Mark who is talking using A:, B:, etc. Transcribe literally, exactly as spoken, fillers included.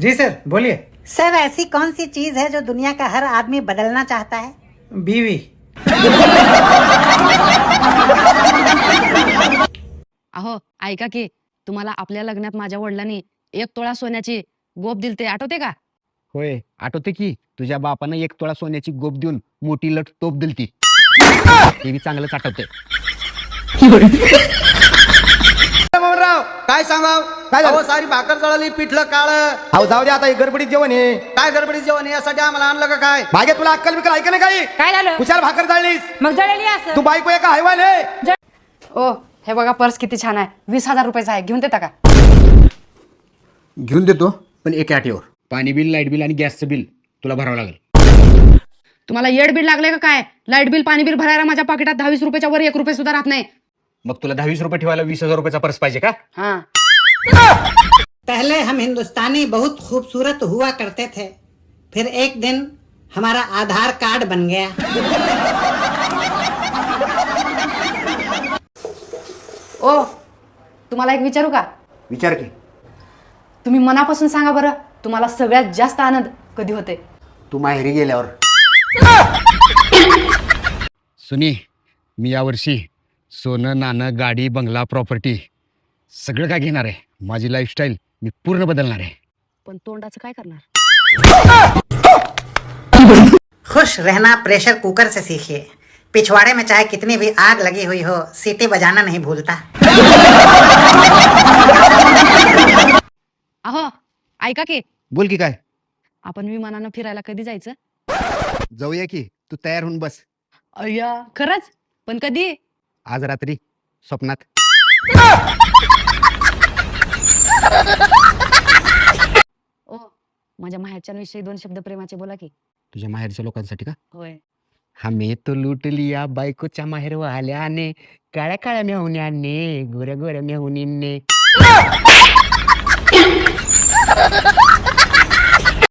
A: जी sir बोलिए।
B: Sir ऐसी कौन सी चीज है जो दुनिया का हर आदमी बदलना चाहता है?
A: बीवी।
C: अहो ऐका की, तुम्हाला आपल्या लग्नात माझ्या वडिलांनी एक तोळा सोन्याची गोप दिलते, आठवते का?
D: होय आठवते की, तुझ्या बापानं एक तोळा सोन्याची गोप देऊन मोठी लट तोप दिलती. ते बी चांगलंच आठवते.
E: राव काय सांगाव
F: काय झालं?
E: अहो, सारी भाकर जळाली, पिठलं काळ.
F: अहो जाऊ दे आता, हे गडबडीत जेवण आहे.
E: काय गडबडीत जेवण आहे? यासाठी आम्हाला आणलं का काय?
F: मागे तुला अक्कल बिकल ऐका नाही काही?
G: काय झालं?
F: कुशाल भाकर जाळलीस?
G: मग जळली असं.
F: तू बायको एका हैवान आहे.
C: ओ हे बघा, पर्स किती छान आहे, वीस हजार रुपयाचा आहे, घेऊन देता का?
D: घेऊन देतो, पण एका अटीवर. पाणी बिल, लाईट बिल आणि गॅसचं बिल तुला भरावं लागेल.
C: तुम्हाला येड बिल लागले का काय? लाईट बिल पाणी बिल भरायला माझ्या पाकिटात दहावीस रुपयाच्या वर एक रुपये सुद्धा राहत नाही.
D: मग तुला दहावीस रुपये ठेवायला वीस हजार रुपयाचा पर्स पाहिजे का?
C: हाँ.
B: पहले हम हिंदुस्तानी बहुत खूबसूरत हुआ करते थे, फिर एक दिन हमारा आधार कार्ड बन गया.
C: ओ तुम्हाला एक विचारू का?
F: विचार की.
C: तुम्ही मनापासून सांगा बरं, तुम्हाला सगळ्यात जास्त आनंद कधी होते?
F: तू माहेरी गेल्यावर.
D: सुनी, मी यावर्षी सोनं, नाणं, गाडी, बंगला, प्रॉपर्टी सगळं काय घेणार आहे. माझी लाईफस्टाईल मी पूर्ण बदलणार आहे.
C: पण तोंडाचं काय करणार?
B: खुश रहना प्रेशर कुकर से सीखिए. पिछवाड़े में चाहे कितनी भी आग लगी हुई हो, सीटी बजाना नहीं भूलता.
C: अहो ऐका की,
D: बोल की काय?
C: आपण विमानानं फिरायला कधी जायचं?
D: जाऊया की, तू तयार होऊन बस.
C: अय्या खरंच? पण कधी?
D: आज रात्री स्वप्नात.
C: ओ माझ्या माहेरच्यांविषयी दोन शब्द प्रेमाचे बोला की.
D: तुझ्या माहेरच्या लोकांसाठी का?
C: होय.
D: हमे तो लूट लिया बायकोच्या माहेर वाल्याने, काळ्या काळ्या मेहुण्याने, गोऱ्या गोऱ्या मेहुनीने.